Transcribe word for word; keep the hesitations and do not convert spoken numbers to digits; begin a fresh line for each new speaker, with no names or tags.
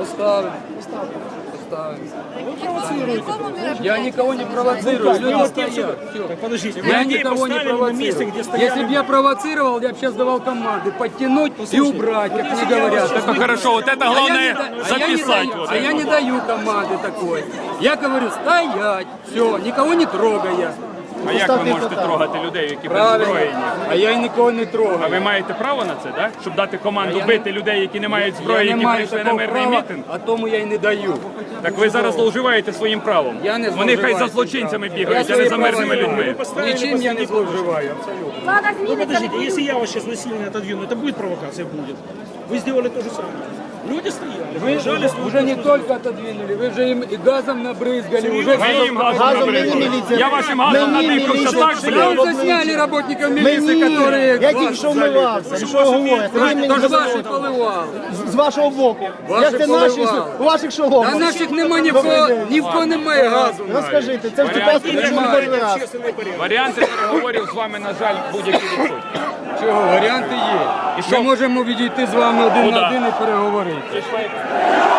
Поставим. Поставим. Я никого не провоцирую, люди стоят.
Так подождите, вы
Я
людей
никого не
поставили на месте,
провоцирую.
где стояли.
Если бы я провоцировал, я бы сейчас давал команды подтянуть и убрать, как мне говорят.
Ну хорошо, вот это
А я не
главное
да- а я не
записать.
даю-
вот
А
это.
я не даю команды такой. Я говорю, стоять, все, никого не трогая.
А як ви можете трогати людей, які
Правильно.
беззброєні?
А я і нікого не
А
трогаю.
ви маєте право на це, так? Щоб дати команду
я
бити людей, які не мають зброї,
Я не
які
маю
прийшли на
такого
мирний
права,
мітинг?
а тому я й не даю.
Так ви зараз зловживаєте своїм правом.
Я не
Вони хай
зловживаю
за
цим
злочинцями
правом.
бігають,
Я
а не
свої
за
права
мирними
не
людьми.
маю. Нічим я не зловживаю, абсолютно.
Влада
Ну
зміниться.
подождите, если я вас сейчас насильно отодвину, это будет провокация? Будет. Вы сделали то же самое. Люди стояли,
Вы
жались,
уже не только отодвинули, вы же им и газом набрызгали, уже
Ви їм газом
Газом
набризли.
мені міліція.
Я вашим газом
Мені
надихався
міліція.
так,
Прям
блядь.
засняли работников милиции,
Мені,
которые
я
вас
тільки що
залили.
вмивався, ну що ви говорите? Ви мені
То ж
не
ваші
задавайте.
поливали.
З- З вашого боку.
Ваші
Як це наші,
поливали.
у ваших шоломах?
Та наших нема ні в кого, ні в кого немає газу. навіть.
Розкажіть, це в Чепецьку прийшли
Немає.
перший раз.
Варіанти переговорів з вами, на жаль, будь-які відсутні.
Чого, варіанти є.
І що?
Ми можемо відійти з вами один
Куда?
на один і переговорити.